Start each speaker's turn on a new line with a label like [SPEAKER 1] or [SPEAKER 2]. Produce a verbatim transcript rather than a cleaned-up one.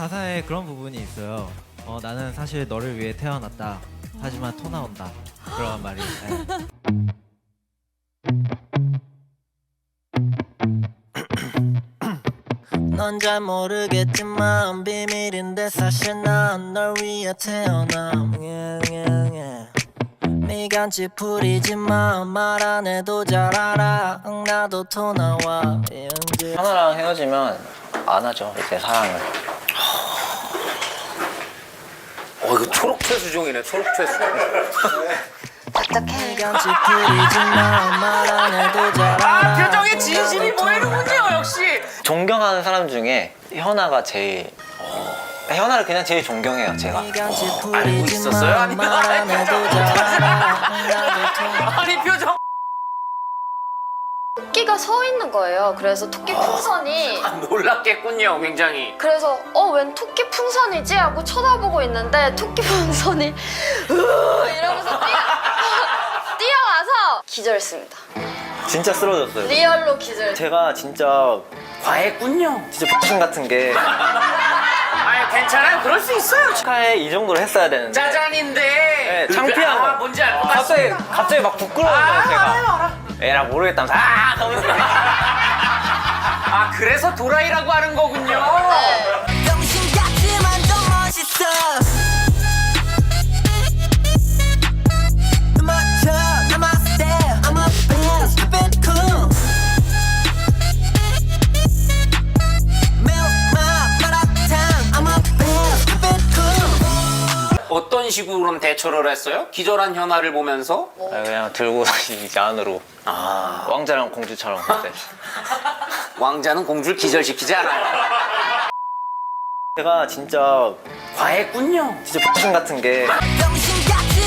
[SPEAKER 1] 가사에 그런 부분이 있어요. 어, 나는 사실 너를 위해 태어났다. 하지만 토 나온다. 그런 말이. 네.
[SPEAKER 2] 넌 잘 모르겠지만 비밀인데 사실 난 널 위해 태어남. yeah, yeah, yeah. 미간치 풀이지만 말 안 해도 잘 알아. 응, 나도 토 나와.
[SPEAKER 3] 하나랑 헤어지면 안 하죠, 이제 사랑을.
[SPEAKER 4] 어 이거 초록 최수종이네, 초록 최수종.
[SPEAKER 2] 미간치 풀이지만 말 안 해도 잘 알아.
[SPEAKER 4] 아, 표정에 진심이 보이는군요, 역시.
[SPEAKER 3] 존경하는 사람 중에 현아가 제일 어, 현아를 그냥 제일 존경해요, 제가.
[SPEAKER 2] 미간치
[SPEAKER 4] 어, 알고 있었어요?
[SPEAKER 2] 풀이지만
[SPEAKER 4] 아니면
[SPEAKER 2] 말 안 해도 잘 알아. 응, 나도 토 나와.
[SPEAKER 4] 아니 표정.
[SPEAKER 5] 토끼가 서 있는 거예요. 그래서 토끼 풍선이
[SPEAKER 4] 놀랐겠군요, 굉장히.
[SPEAKER 5] 그래서 어 웬 토끼 풍선이지 하고 쳐다보고 있는데 토끼 풍선이 으 이러면서 뛰어 뛰어와서 기절했습니다.
[SPEAKER 3] 진짜 쓰러졌어요.
[SPEAKER 5] 리얼로 기절.
[SPEAKER 3] 제가 진짜
[SPEAKER 4] 과했군요.
[SPEAKER 3] 진짜 X신 같은 게
[SPEAKER 4] 아니 괜찮아요, 그럴 수 있어요.
[SPEAKER 3] 축하해 이 정도로 했어야 되는데
[SPEAKER 4] 짜잔인데.
[SPEAKER 3] 네, 창피한
[SPEAKER 4] 아,
[SPEAKER 3] 거예요.
[SPEAKER 4] 뭔지 알 것
[SPEAKER 3] 갑자기
[SPEAKER 4] 같습니다.
[SPEAKER 3] 갑자기 막 부끄러운 거예요,
[SPEAKER 4] 아,
[SPEAKER 3] 제가.
[SPEAKER 4] 알아요, 알아.
[SPEAKER 3] 에라 모르겠다면서 아 하면서
[SPEAKER 4] 아, 그래서 도라이라고 하는 거군요.
[SPEAKER 5] 네.
[SPEAKER 2] 병신 같지만 더 멋있어. 맞춰, I'm a style, I'm a best, keep it cool. Milk my 마라탕, I'm a best, keep it cool.
[SPEAKER 4] 어떤 식으로 대처를 했어요? 기절한 현아를 보면서?
[SPEAKER 3] 아, 그냥 들고 다니지 안으로.
[SPEAKER 4] 아,
[SPEAKER 3] 왕자랑 공주처럼 그때.
[SPEAKER 4] 왕자는 공주를 기절시키지 않아요.
[SPEAKER 3] 제가 진짜
[SPEAKER 4] 과했군요.
[SPEAKER 3] 진짜 X신 같은 게
[SPEAKER 2] 병신 같지